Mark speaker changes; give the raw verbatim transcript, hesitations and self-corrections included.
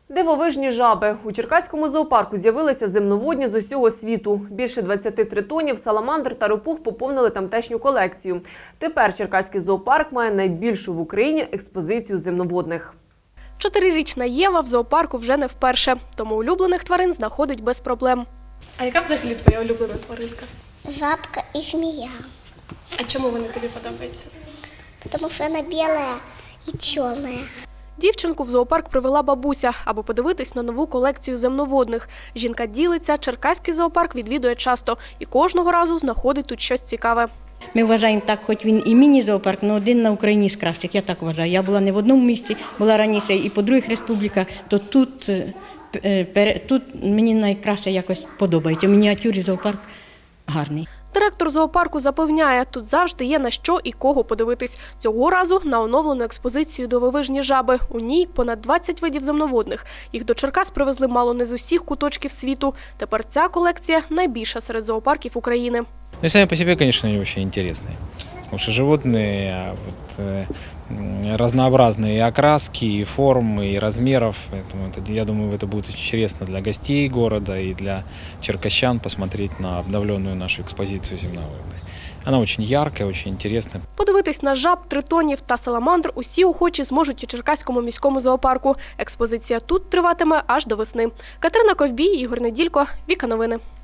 Speaker 1: Дивовижні жаби. У Черкаському зоопарку з'явилися земноводні з усього світу. Більше двадцяти тритонів, саламандр та ропух поповнили тамтешню колекцію. Тепер Черкаський зоопарк має найбільшу в Україні експозицію земноводних.
Speaker 2: Чотирирічна Єва в зоопарку вже не вперше, тому улюблених тварин знаходить без проблем.
Speaker 3: А яка взагалі твоя улюблена тваринка?
Speaker 4: Жабка и змея,
Speaker 3: А чому вони тобі подобаються?
Speaker 4: потому что она белая и черная.
Speaker 2: Дівчинку в зоопарк привела бабуся, аби подивитись на нову колекцію земноводних. Жінка ділиться, Черкаський зоопарк відвідує часто і кожного разу знаходить тут щось цікаве.
Speaker 5: Ми вважаємо так, хоч він і міні-зоопарк, але один на Україні з кращих, я так вважаю. Я була не в одному місці, була раніше і по других республіках, то тут, тут мені найкраще якось подобається. В мініатюрі зоопарк гарний.
Speaker 2: Директор зоопарку запевняє, тут завжди є на що і кого подивитись. Цього разу на оновлену експозицію «Дивовижні жаби». У ній понад двадцять видів земноводних. Їх до Черкас привезли мало не з усіх куточків світу. Тепер ця колекція найбільша серед зоопарків України.
Speaker 6: Ну, сами по себе, конечно, они очень интересные. Потому что животные вот, э, разнообразные и окраски, и формы, и размеров. Поэтому это, я думаю, это будет очень интересно для гостей города и для черкащан посмотреть на обновленную нашу экспозицию земноводных. Она очень яркая, очень интересная.
Speaker 2: Подивитись на жаб, тритонів та саламандр усі охочі зможуть у Черкаському міському зоопарку. Експозиція тут триватиме аж до весни. Катерина Ковбій, Ігор Неділько, Віка Новини.